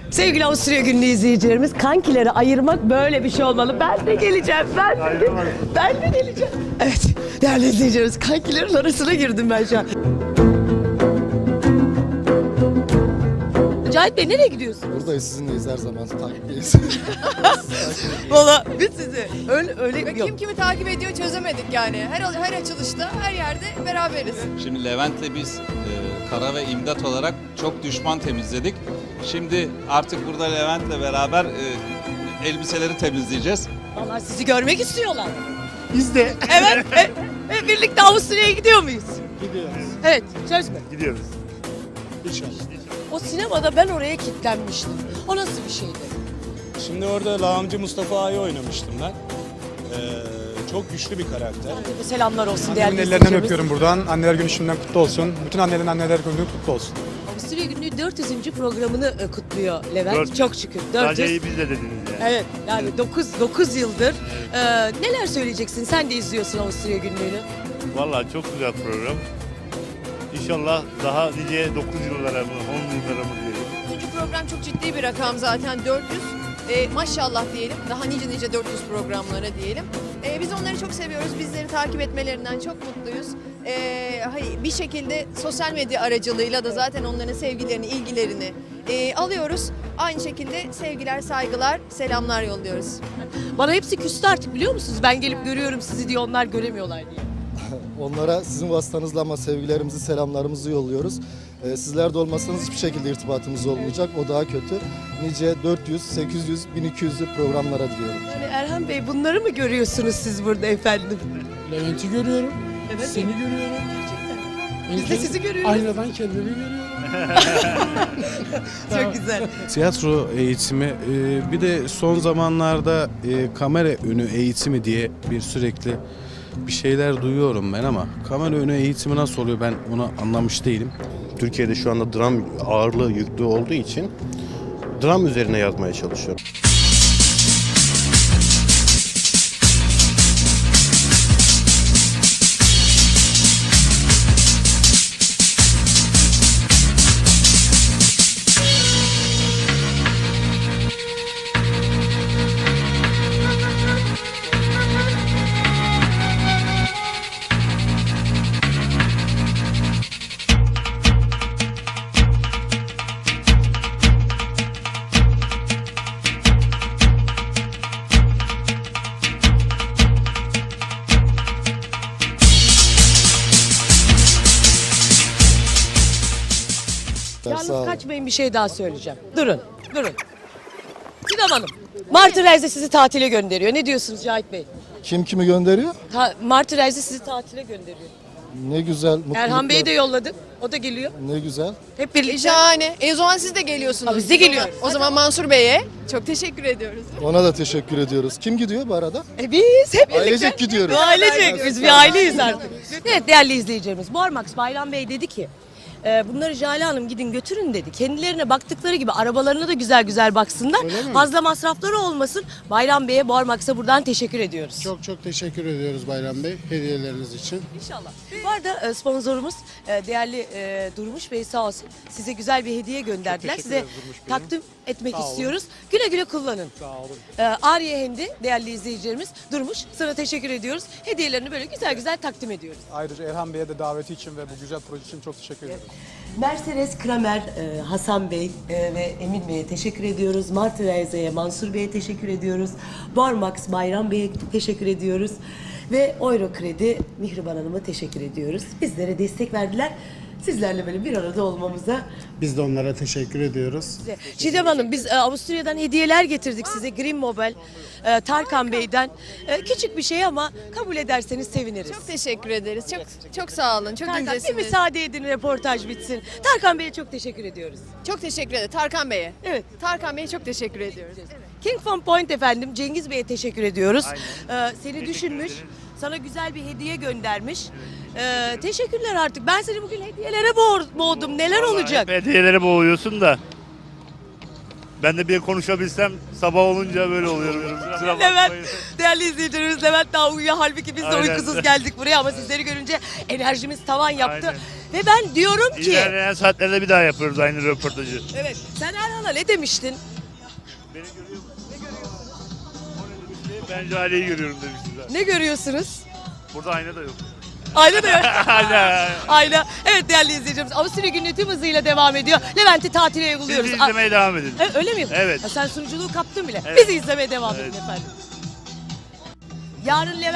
Sevgili Avusturya Günlüğü izleyicilerimiz, kankileri ayırmak böyle bir şey olmalı. Ben de geleceğim, ben de geleceğim. Evet, değerli izleyicilerimiz, kankilerin arasına girdim ben şu an. Cahit Bey nereye gidiyorsunuz? Buradayız, sizinleyiz her zaman, takipteyiz. Valla biz sizi öyle yok. Kim kimi takip ediyor çözemedik yani. Her açılışta, her yerde beraberiz. Şimdi Levent'le biz Kara ve İmdat olarak çok düşman temizledik. Şimdi artık burada Levent'le beraber elbiseleri temizleyeceğiz. Vallahi sizi görmek istiyorlar. Biz de Evet, birlikte Avusturya'ya gidiyor muyuz? gidiyoruz. Evet, söz mü? Gidiyoruz. İnşallah. O sinemada ben oraya kilitlenmiştim. O nasıl bir şeydi? Şimdi orada Lağımcı Mustafa Ağa'yı oynamıştım ben. Çok güçlü bir karakter. Herkese selamlar olsun Annemin değerli ellerinden izleyicilerimiz. öpüyorum buradan. Anneler Günü şimdiden kutlu olsun. Bütün annelerin anneler günü kutlu olsun. Avusturya Günlüğü 400. programını kutluyor Levent. 400. Çok şükür. Sadece 400. iyi biz de dediniz yani. Evet, yani 9 yıldır. Neler söyleyeceksin? Sen de izliyorsun Avusturya Günlüğü'nü. Vallahi çok güzel program. İnşallah daha nice 9 yıllara mı 10 yıllara mı diyelim. Bu program çok ciddi bir rakam zaten 400. Maşallah diyelim. Daha nice 400 programlara diyelim. Biz onları çok seviyoruz. Bizleri takip etmelerinden çok mutluyuz. Bir şekilde sosyal medya aracılığıyla da zaten onların sevgilerini, ilgilerini alıyoruz. Aynı şekilde sevgiler, saygılar, selamlar yolluyoruz. Bana hepsi küstü artık biliyor musunuz? Ben gelip görüyorum sizi diye, onlar göremiyorlar diye. Onlara sizin vasıtanızla ama sevgilerimizi, selamlarımızı yolluyoruz. Sizler de olmasanız hiçbir şekilde irtibatımız olmayacak. O daha kötü. Nice 400, 800, 1200'lü programlara diliyorum. Yani Erhan Bey, bunları mı görüyorsunuz siz burada efendim? Levent'i görüyorum, Evet. seni görüyorum. Biz de sizi görüyoruz. Aynadan kendimi görüyorum. Çok güzel. Tiyatro eğitimi, bir de son zamanlarda kamera önü eğitimi diye sürekli bir şeyler duyuyorum ben ama kamera önü eğitimi nasıl oluyor ben onu anlamış değilim. Türkiye'de şu anda dram ağırlığı yüklü olduğu için dram üzerine yazmaya çalışıyorum. Sağ Yalnız olun. kaçmayın, bir şey daha söyleyeceğim. Durun. Gidem Hanım. Martı Reis'e sizi tatile gönderiyor. Ne diyorsunuz Cahit Bey? Kim kimi gönderiyor? Martı Reis'e sizi tatile gönderiyor. Ne güzel, mutluluklar. Erhan Bey'i de yolladık. O da geliyor. Ne güzel. Hep birlikte. Şahane. O zaman siz de geliyorsunuz. Biz de geliyoruz. O zaman Mansur Bey'e çok teşekkür ediyoruz. Ona da teşekkür ediyoruz. Kim gidiyor bu arada? Biz hep birlikte. Ailecek gidiyoruz. Ailecek. Biz bir aileyiz artık. Evet değerli izleyicilerimiz. Bormax Bayram Bey dedi ki bunları Jale Hanım gidin götürün dedi. Kendilerine baktıkları gibi arabalarına da güzel güzel baksınlar. Fazla masrafları olmasın. Bayram Bey'e, Bormax'a buradan teşekkür ediyoruz. Çok çok teşekkür ediyoruz Bayram Bey hediyeleriniz için. İnşallah. Bu arada sponsorumuz değerli Durmuş Bey sağ olsun size güzel bir hediye gönderdiler. teşekkür Size ederiz Durmuş Bey'im. takdim etmek Sağ olun. istiyoruz. Güle güle kullanın. Sağ olun. Ariye Hendi değerli izleyicilerimiz Durmuş sana teşekkür ediyoruz. Hediyelerini böyle güzel güzel takdim ediyoruz. Ayrıca Erhan Bey'e de daveti için ve bu güzel proje için çok teşekkür ederim. Mercedes Kramer, Hasan Bey ve Emin Bey'e teşekkür ediyoruz. Martı Reise'ye, Mansur Bey'e teşekkür ediyoruz. Bormax Bayram Bey'e teşekkür ediyoruz. Ve Euro Kredi Mihriban Hanım'a teşekkür ediyoruz. Bizlere destek verdiler. Sizlerle böyle bir arada olmamıza. Biz de onlara teşekkür ediyoruz. Çiğdem Hanım, biz Avusturya'dan hediyeler getirdik size. Green Mobile, Tarkan Bey'den. Küçük bir şey ama kabul ederseniz seviniriz. Çok teşekkür ederiz. Çok sağ olun. Çok Tarkan, bir incesiniz. müsaade edin röportaj bitsin. Tarkan Bey'e çok teşekkür ediyoruz. Çok teşekkür ederim. Tarkan Bey'e. Evet. Tarkan Bey'e çok teşekkür ediyoruz. King Fun Point efendim, Cengiz Bey'e teşekkür ediyoruz. Seni düşünmüş, sana güzel bir hediye göndermiş. Teşekkürler artık. Ben seni bugün hediyelere boğdum. Neler olacak? Hep hediyelere boğuyorsun da. Ben de bir konuşabilsem sabah olunca böyle oluyorum. Kusura Levent, bakmayın. değerli izleyicilerimiz Levent daha uyuyor. Halbuki biz de Aynen. uykusuz geldik buraya ama sizleri görünce enerjimiz tavan yaptı. Aynen. Ve ben diyorum ki... İlerleyen saatlerde bir daha yapıyoruz aynı röportajı. Evet. Sen Erhan'a ne demiştin? Beni görüyor musun? Ne görüyorsun? O ne demişti? Ben Jale'yi görüyorum demişti zaten. Ne görüyorsunuz? Burada ayna da yok. Ayna da yok. Ayna. Ayna. Evet değerli izleyicilerimiz. Avusturya günlüğü tüm hızıyla devam ediyor. Levent'i tatile Siz uyguluyoruz. de izlemeye devam edin. Öyle mi? Evet. Sen sunuculuğu kaptın bile. Evet. Bizi izlemeye devam edin Evet. efendim. Yarın Levent